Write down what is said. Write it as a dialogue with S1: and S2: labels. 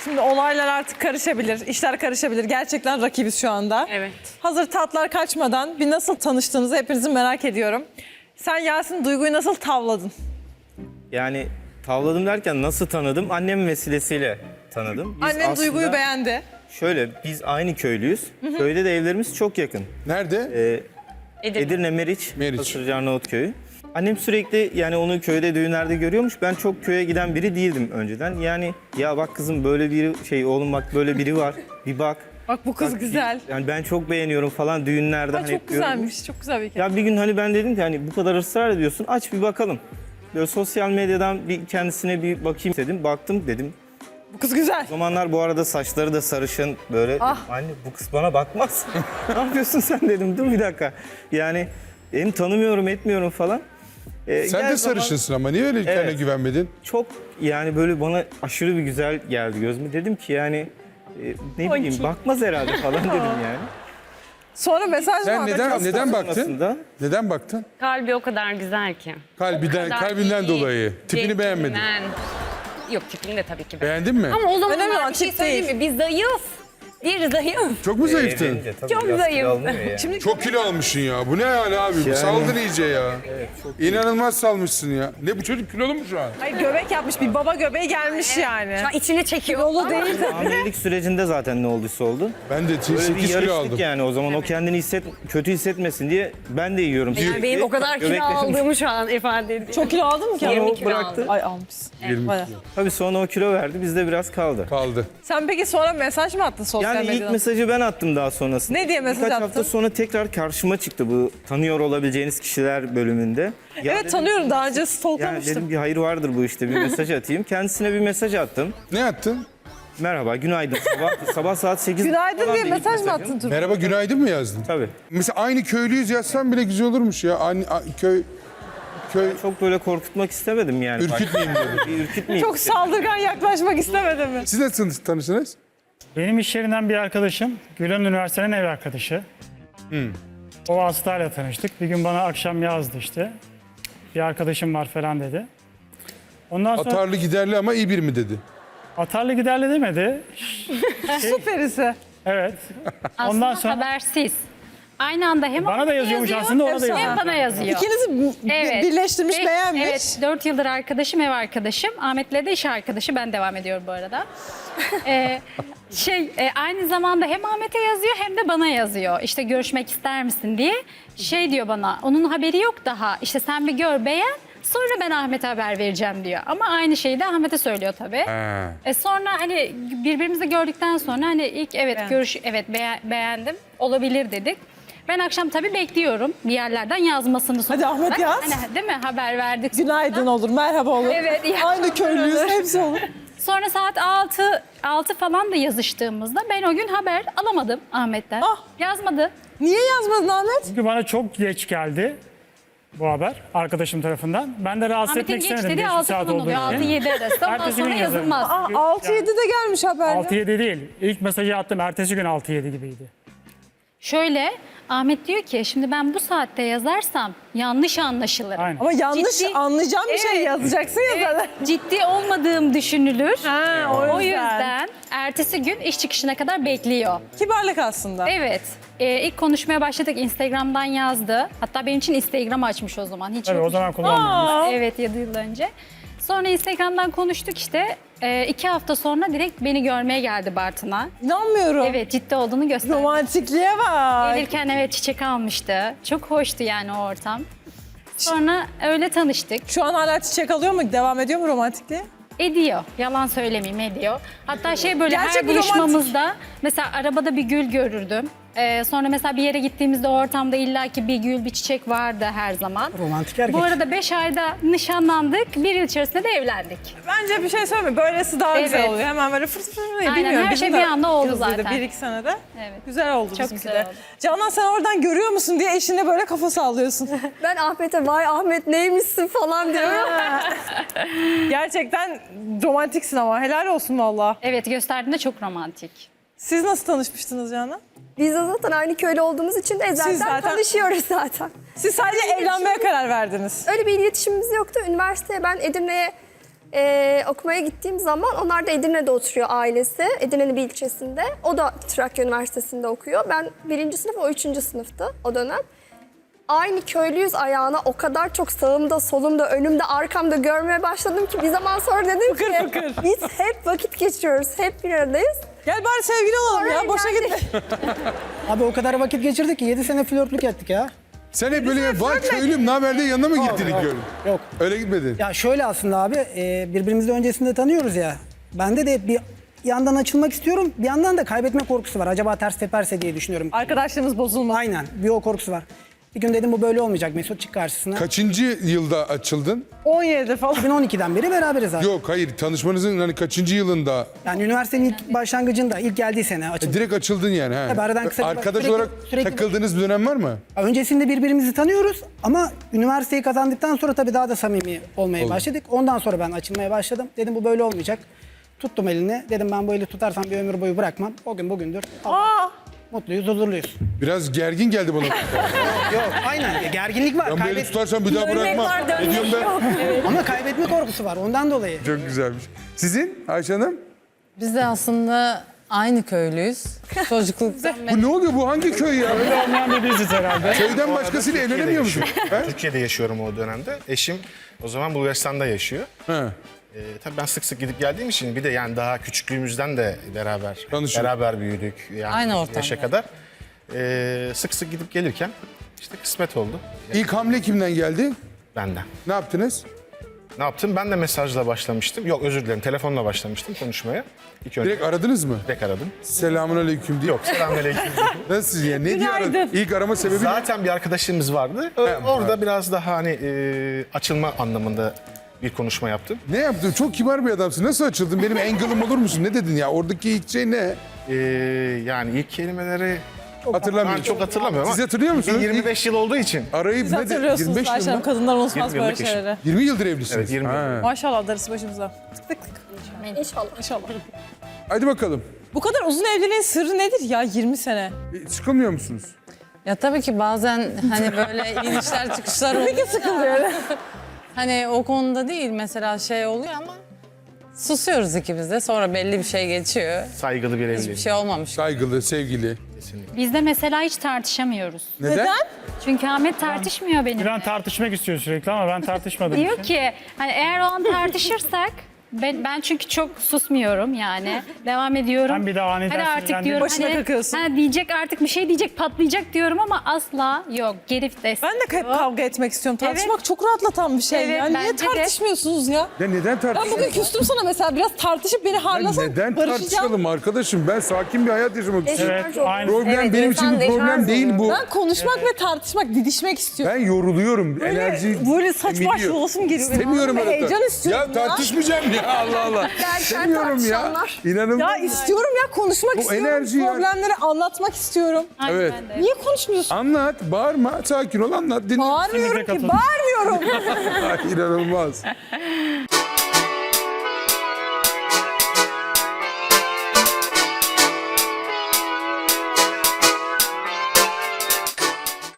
S1: Şimdi olaylar artık karışabilir, işler karışabilir. Gerçekten rakibiz şu anda.
S2: Evet.
S1: Hazır tatlar kaçmadan bir nasıl tanıştığınızı hepinizi merak ediyorum. Sen Yasin Duygu'yu nasıl tavladın?
S3: Yani tavladım derken nasıl tanıdım? Annem vesilesiyle tanıdım. Biz
S1: Annen
S3: aslında
S1: Duygu'yu beğendi.
S3: Şöyle, biz aynı köylüyüz. Köyde de evlerimiz çok yakın.
S4: Nerede?
S3: Edirne Meriç,
S4: Meriç.
S3: Hasırcı Arnavutköy'ü. Annem sürekli yani onu köyde, düğünlerde görüyormuş. Ben çok köye giden biri değildim önceden. Yani ya bak kızım böyle biri, oğlum bak böyle biri var. Bir bak.
S1: Bak bu kız
S3: Bak,
S1: güzel.
S3: Yani ben çok beğeniyorum falan düğünlerde.
S1: Ay,
S3: hani
S1: çok
S3: hep görüyorum.
S1: güzelmiş, çok güzel bir hikaye.
S3: Ya bir gün hani ben dedim ki hani bu kadar ısrar ediyorsun, aç bir bakalım. Böyle sosyal medyadan bir kendisine bir bakayım dedim. Baktım dedim.
S1: Bu kız güzel.
S3: O zamanlar bu arada saçları da sarışın böyle.
S1: Ah.
S3: Anne bu kız bana bakmaz. Ne yapıyorsun sen dedim. Dur bir dakika. Yani hem tanımıyorum etmiyorum falan.
S4: Sen
S3: Gel
S4: de
S3: zaman
S4: sarışınsın ama niye öyle kendine güvenmedin?
S3: Çok yani böyle bana aşırı bir güzel geldi gözüme. Dedim ki yani ne bileyim bakmaz herhalde falan dedim yani.
S1: Sonra mesaj
S4: Sen
S1: var.
S4: neden baktın?
S3: Sonrasında
S4: Neden baktın?
S2: Kalbi o kadar güzel ki.
S4: Kalbinden dolayı. Tipini beğenmedin.
S2: Yok, tipini de tabii ki
S4: Beğendin mi?
S2: Ama o
S1: Önemli
S2: zamanlar
S1: olan
S2: bir şey
S1: tip
S2: söyleyeyim
S1: değil.
S2: mi? Biz zayıf. Bir zayıf.
S4: Çok mu zayıftın?
S3: evlenince tabii
S2: Çok
S3: biraz
S2: zayıf.
S3: kilo alınıyor ya.
S1: Şimdi
S4: Çok kilo almışsın ya. Bu ne yani abi? Saldın iyice ya. İnanılmaz salmışsın ya. Ne bu çocuk kilolu mu şu an?
S1: Hayır, göbek yapmış, bir baba göbeği gelmiş yani.
S2: Şu an içini çekiyor.
S1: Dolu değil de.
S3: Hamilelik sürecinde zaten ne olduysa oldu.
S4: Ben de
S3: Böyle
S4: 8
S3: bir
S4: kilo
S3: yarıştık
S4: aldım.
S3: yani o zaman. O kendini kötü hissetmesin diye ben de yiyorum.
S2: Yani
S3: sürekli.
S2: benim o kadar kilo
S3: Göbeklerim-
S2: aldığımı şu an ifade ediyor.
S1: Çok kilo aldın mı ki?
S2: 20
S3: o
S2: kilo
S3: bıraktı.
S2: aldım.
S1: Ay almışsın.
S4: 20
S1: Bayağı.
S4: kilo.
S3: Tabii sonra o kilo verdi, bizde biraz kaldı.
S4: Kaldı.
S1: Sen peki sonra mesaj mı attın sosyal
S3: Yani
S1: medyadan?
S3: ilk mesajı ben attım daha sonrasında.
S1: Ne diye mesaj
S3: Birkaç
S1: attın?
S3: hafta sonra tekrar karşıma çıktı bu tanıyor olabileceğiniz kişiler bölümünde. Ya
S1: Evet
S3: dedim,
S1: tanıyorum, daha önce
S3: yani
S1: stalklamıştım.
S3: dedim bir hayır vardır bu işte, bir mesaj atayım. Kendisine bir mesaj attım.
S4: Ne attın?
S3: Merhaba, günaydın. Sabah saat 8.
S1: Günaydın diye mesaj mı attın Turgut?
S4: Merhaba günaydın mı yazdın?
S3: Tabii.
S4: Mesela aynı köylüyüz yazsan bile güzel olurmuş ya. Köy
S3: Çok böyle korkutmak istemedim yani.
S4: ürkütmeyeyim dedim.
S3: Bir ürkütmeyeyim.
S1: Çok saldırgan yaklaşmak istemedim mi?
S4: Siz nasıl tanıştınız?
S5: Benim iş yerinden bir arkadaşım, Gülen Üniversitesi'nin ev arkadaşı. O vasıtayla tanıştık. Bir gün bana akşam yazdı işte. Bir arkadaşım var falan dedi. Ondan sonra
S4: Atarlı giderli ama iyi bir mi dedi?
S5: atarlı giderli demedi.
S1: Süperisi.
S5: Evet.
S6: Aslında
S5: Ondan sonra
S6: habersiz. Aynı anda hem
S5: bana da yazıyormuş aslında, ona da
S6: hem
S5: yazıyor.
S6: bana yazıyor.
S1: İkinizi
S6: Evet.
S1: birleştirmiş,
S6: Ve-
S1: beğenmiş.
S6: Evet, 4 yıldır arkadaşım, ev arkadaşım. Ahmet'le de iş arkadaşı. Ben devam ediyorum bu arada. Aynı zamanda hem Ahmet'e yazıyor hem de bana yazıyor. İşte görüşmek ister misin diye. Şey diyor bana, onun haberi yok daha. İşte sen bir gör, beğen. Sonra ben Ahmet'e haber vereceğim diyor. Ama aynı şeyi de Ahmet'e söylüyor tabii. Sonra hani birbirimizi gördükten sonra hani ilk beğendim, olabilir dedik. Ben akşam tabii bekliyorum bir yerlerden yazmasını.
S1: Hadi Ahmet yaz.
S6: Hani, değil mi, haber verdik.
S1: Günaydın olur, merhaba olur.
S6: Evet, iyi
S1: Aynı köylüyüz,
S6: olur.
S1: hepsi olur.
S6: Sonra saat 6 falan da yazıştığımızda ben o gün haber alamadım Ahmet'ten.
S1: Ah.
S6: Yazmadı.
S1: Niye yazmadın Ahmet?
S5: Çünkü bana çok geç geldi bu haber arkadaşım tarafından. Ben de rahatsız
S6: Ahmet'in
S5: etmek
S6: geç
S5: istemedim.
S6: dediği
S5: geç bir
S6: 6
S5: saat
S6: falan
S5: olduğu
S6: oluyor.
S5: için.
S6: 6-7 arası. Ondan
S5: Ertesi
S6: sonra
S5: gün yazarım.
S6: yazılmaz.
S1: Aa, 6-7'de gelmiş haber.
S5: 6-7 değil. İlk mesajı attım. Ertesi gün 6-7 gibiydi.
S6: Şöyle, Ahmet diyor ki şimdi ben bu saatte yazarsam yanlış anlaşılır.
S5: Aynen.
S1: Ama yanlış
S6: Ciddi-
S1: anlayacağım bir şey
S6: Evet.
S1: yazacaksın ya zaten.
S6: Ciddi olmadığım düşünülür.
S1: Ha,
S6: O yüzden ertesi gün iş çıkışına kadar bekliyor.
S1: Kibarlık aslında.
S6: Evet. İlk konuşmaya başladık. Instagram'dan yazdı. Hatta benim için Instagram açmış o zaman. Hiç
S5: Tabii o
S6: yokmuş.
S5: zaman kullanmıyoruz.
S6: Evet, 7 yıl önce. Sonra Instagram'dan konuştuk işte. 2 hafta sonra direkt beni görmeye geldi Bartın'a.
S1: İnanmıyorum.
S6: Evet, ciddi olduğunu gösterdi.
S1: Romantikliğe bak.
S6: Gelirken evet çiçek almıştı. Çok hoştu yani o ortam. Sonra öyle tanıştık.
S1: Şu an hala çiçek alıyor mu? Devam ediyor mu romantikliğe?
S6: Ediyor. Yalan söylemeyeyim, ediyor. Hatta böyle
S1: Gerçek
S6: her
S1: bir
S6: buluşmamızda mesela arabada bir gül görürdüm. Sonra mesela bir yere gittiğimizde o ortamda illaki bir gül, bir çiçek vardı her zaman.
S5: Romantik erkek.
S6: Bu arada 5 ayda nişanlandık. 1 yıl içerisinde de evlendik.
S1: Bence bir şey söyleme. Böylesi daha güzel
S6: Evet.
S1: oluyor. Hemen böyle fırt fırt fırt.
S6: Aynen,
S1: Bilmiyorum.
S6: her
S1: bizim
S6: şey
S1: de
S6: bir anda oldu
S1: hızlıydı,
S6: zaten.
S1: 1-2 senede.
S6: Evet.
S1: Güzel oldu
S6: Çok
S1: bizimki
S6: güzel
S1: de.
S6: oldu.
S1: Canan sen oradan görüyor musun diye eşine böyle kafa sallıyorsun.
S2: Ben Ahmet'e vay Ahmet neymişsin falan diyorum.
S1: Gerçekten romantiksin ama helal olsun valla.
S6: Evet, gösterdiğinde çok romantik.
S1: Siz nasıl tanışmıştınız Canan?
S2: Biz de zaten aynı köylü olduğumuz için de
S1: Siz zaten-
S2: tanışıyoruz zaten.
S1: Siz sadece evlenmeye karar verdiniz.
S2: Öyle bir iletişimimiz yoktu. Üniversiteye ben Edirne'ye Okumaya gittiğim zaman onlar da Edirne'de oturuyor ailesi. Edirne'nin bir ilçesinde. O da Trakya Üniversitesi'nde okuyor. Ben 1. sınıf, o 3. sınıftı o dönem. Aynı köylüyüz ayağına o kadar çok sağımda, solumda, önümde, arkamda görmeye başladım ki bir zaman sonra dedim ki biz hep vakit geçiriyoruz, hep bir aradayız.
S1: Gel bari sevgili olalım ya. Boşa
S2: geldik.
S1: gitme.
S7: Abi o kadar vakit geçirdik ki 7 sene flörtlük ettik ya.
S4: Sen hep böyle var köylüm ne haber diye yanına mı gittin ilk öyle?
S7: Yok.
S4: Öyle gitmedin.
S7: Ya şöyle aslında abi birbirimizi öncesinde tanıyoruz ya. Bende de bir yandan açılmak istiyorum, bir yandan da kaybetme korkusu var. Acaba ters teperse diye düşünüyorum.
S1: Arkadaşlığımız bozulmaz.
S7: Aynen, bir o korkusu var. Bir gün dedim bu böyle olmayacak, Mesut çık karşısına.
S4: Kaçıncı yılda açıldın?
S1: 17 falan.
S7: 2012'den beri beraberiz abi.
S4: Yok hayır tanışmanızın hani kaçıncı yılında?
S7: Yani üniversitenin ilk başlangıcında, ilk geldiği sene açıldı.
S4: Direkt açıldın yani. He.
S7: Tabii aradan kısa bir-
S4: Arkadaş
S7: sürekli-
S4: olarak
S7: sürekli-
S4: takıldığınız bir dönem var mı?
S7: Öncesinde birbirimizi tanıyoruz ama üniversiteyi kazandıktan sonra tabii daha da samimi olmaya başladık. Ondan sonra ben açılmaya başladım. Dedim bu böyle olmayacak. Tuttum elini. Dedim ben bu eli tutarsam bir ömür boyu bırakmam. O gün bugündür.
S1: Aa,
S7: Mutluyuz, huzurluyuz.
S4: Biraz gergin geldi bana.
S7: Yok, aynen. Gerginlik var.
S4: Ben böyle tutarsam bir daha bırakmam.
S2: var,
S4: Ne diyorum ben?
S7: Ama kaybetme korkusu var. Ondan dolayı.
S4: Çok güzelmiş. Sizin Ayşe Hanım?
S8: Biz de aslında aynı köylüyüz. Çocukluktan beri.
S4: Bu ne oluyor? Bu hangi köy ya?
S5: Öyle olmayan bir biziz herhalde.
S4: Köyden başkasıyla evlenemiyor musun? He?
S9: Türkiye'de yaşıyorum o dönemde. Eşim o zaman Bulgaristan'da yaşıyor.
S4: He.
S9: Tabii ben sık sık gidip geldiğim için bir de yani daha küçüklüğümüzden de
S4: Tanışıyor.
S9: beraber büyüdük. Yani
S8: Aynı ortamda.
S9: yaşa kadar. Sık sık gidip gelirken işte kısmet oldu
S4: İlk hamle kimden geldi?
S9: benden.
S4: Ne yaptınız?
S9: Ne yaptım? Ben de mesajla başlamıştım. Yok özür dilerim telefonla başlamıştım konuşmaya. İlk önce
S4: Direkt aradınız mı?
S9: direkt aradım.
S4: Selamun aleyküm diye.
S9: Yok selamünaleyküm.
S4: Nasıl ya? Ne diye aradın?
S1: Günaydın.
S4: İlk arama sebebi ne?
S9: Zaten bir arkadaşımız vardı. Orada biraz daha hani açılma anlamında bir konuşma yaptım.
S4: Ne yaptın? Çok kibar bir adamsın. Nasıl açıldın? Benim angle'ım olur musun? Ne dedin ya? Oradaki ilk şey ne?
S9: Yani ilk kelimeleri
S4: Hatırlamıyorum.
S9: ben çok hatırlamıyorum
S4: Siz
S9: ama
S4: hatırlıyor musunuz?
S9: 25 yıl olduğu için.
S4: Arayıp
S1: siz
S4: ne de?
S1: hatırlıyorsunuz
S4: 25 yıl
S1: Ayşe Hanım.
S4: mı?
S1: Kadınlar unutmaz
S9: 20
S1: böyle
S9: yıllık eşim.
S1: şeyleri.
S4: 20 yıldır evlisiniz.
S9: Evet, 20
S4: Ha.
S1: Maşallah darısı başımıza. Tık tık tık.
S2: İnşallah.
S1: İnşallah.
S4: Hadi bakalım.
S1: Bu kadar uzun evliliğin sırrı nedir ya 20 sene?
S4: Sıkılmıyor musunuz?
S8: Ya tabii ki bazen hani böyle inişler çıkışlar oluyor.
S1: Peki sıkılıyor.
S8: Hani o konuda değil mesela şey oluyor ama susuyoruz ikimiz de. Sonra belli bir şey geçiyor.
S9: Saygılı bir
S8: Hiçbir
S9: evlilik.
S8: şey olmamış.
S4: Saygılı, sevgili.
S6: Biz de mesela hiç tartışamıyoruz.
S4: Neden?
S6: Çünkü Ahmet tartışmıyor benimle.
S5: Gülen tartışmak istiyor sürekli ama ben tartışmadım.
S6: Diyor ki hani eğer o an tartışırsak ben çünkü çok susmuyorum yani. Devam ediyorum.
S5: Ben bir de aniden
S6: Hadi artık
S5: sinirlendim.
S6: diyorum.
S1: Başına kakıyorsun.
S6: Diyecek artık bir şey diyecek patlayacak diyorum ama asla yok. Geri vites.
S1: Ben de hep kavga etmek istiyorum. Tartışmak çok rahatlatan bir şey.
S6: Evet,
S1: ya. Niye
S6: bence de.
S1: tartışmıyorsunuz ya?
S4: Ya neden
S1: Ben bugün
S4: tartışıyorsun?
S1: küstüm sana mesela biraz tartışıp beni harlasan
S4: Neden
S1: barışacağım.
S4: tartışalım arkadaşım? Ben sakin bir hayat yaşamak istiyorum.
S5: Evet, aynı.
S4: Problem benim için bir problem değil bu.
S1: Ben konuşmak ve tartışmak, didişmek istiyorum.
S4: Ben yoruluyorum. Enerji
S1: Böyle saçma
S4: emiliyor.
S1: yolasım geliyor.
S4: İstemiyorum
S1: Ben
S4: öyle.
S1: heyecan istiyorum
S4: Ya tartışmayacağım ya Allah Allah. İstemiyorum ya.
S2: tartışanlar.
S4: İnanılmaz.
S1: Ya istiyorum ya konuşmak
S4: Bu
S1: istiyorum.
S4: enerji ya.
S1: Problemleri anlatmak istiyorum.
S6: Aynen
S4: Evet.
S6: ben de.
S1: Niye konuşmuyorsun?
S4: Anlat, bağırma, sakin ol anlat. Dinle.
S1: Bağırmıyorum ki,
S5: katıldım.
S1: bağırmıyorum.
S4: İnanılmaz.